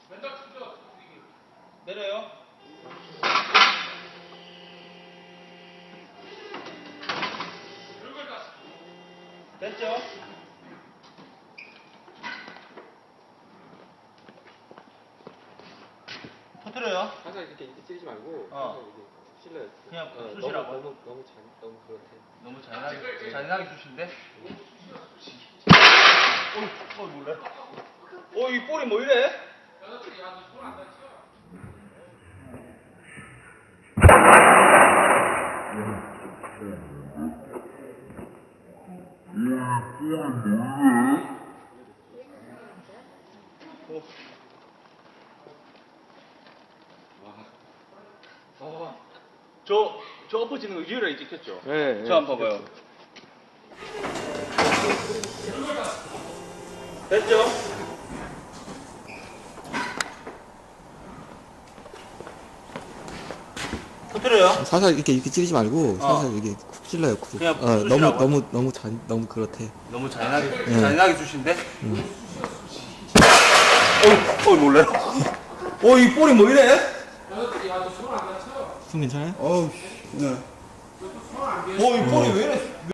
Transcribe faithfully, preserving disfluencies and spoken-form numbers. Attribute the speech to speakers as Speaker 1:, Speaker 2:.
Speaker 1: 내려요. 됐죠? 터뜨려요.
Speaker 2: 항상 이렇게 이렇게 찌르지 말고
Speaker 1: 어.
Speaker 2: 항상 이렇게 실내요.
Speaker 1: 그냥
Speaker 2: 어,
Speaker 1: 쑤시라고?
Speaker 2: 너무 너무 너무 잔 너무 그렇대.
Speaker 1: 너무 잔인하게, 잔인하게 쑤신데? 어, 어, 몰라. 어, 이 볼이 뭐 이래? 어. 와. 저, 저 엎어지는 거 유일하게 찍혔죠?
Speaker 2: 네.
Speaker 1: 저 한번 봐봐요. 됐죠? 터뜨려요.
Speaker 3: 살살 이렇게 이렇게 찌르지 말고
Speaker 1: 어.
Speaker 3: 살살 이렇게 쿡 찔러요. 쿡.
Speaker 1: 그냥
Speaker 3: 어,
Speaker 1: 쑤시라고?
Speaker 3: 너무 너무 너무 잔 너무 그렇대.
Speaker 1: 너무 잔인하게,
Speaker 3: 네.
Speaker 1: 잔인하게 쑤신데? 어, 어, 놀래라. 어, 이 볼이 뭐 이래?
Speaker 3: 숨 괜찮아요?
Speaker 1: 어우, 네. 어, 이 볼이 왜 이래?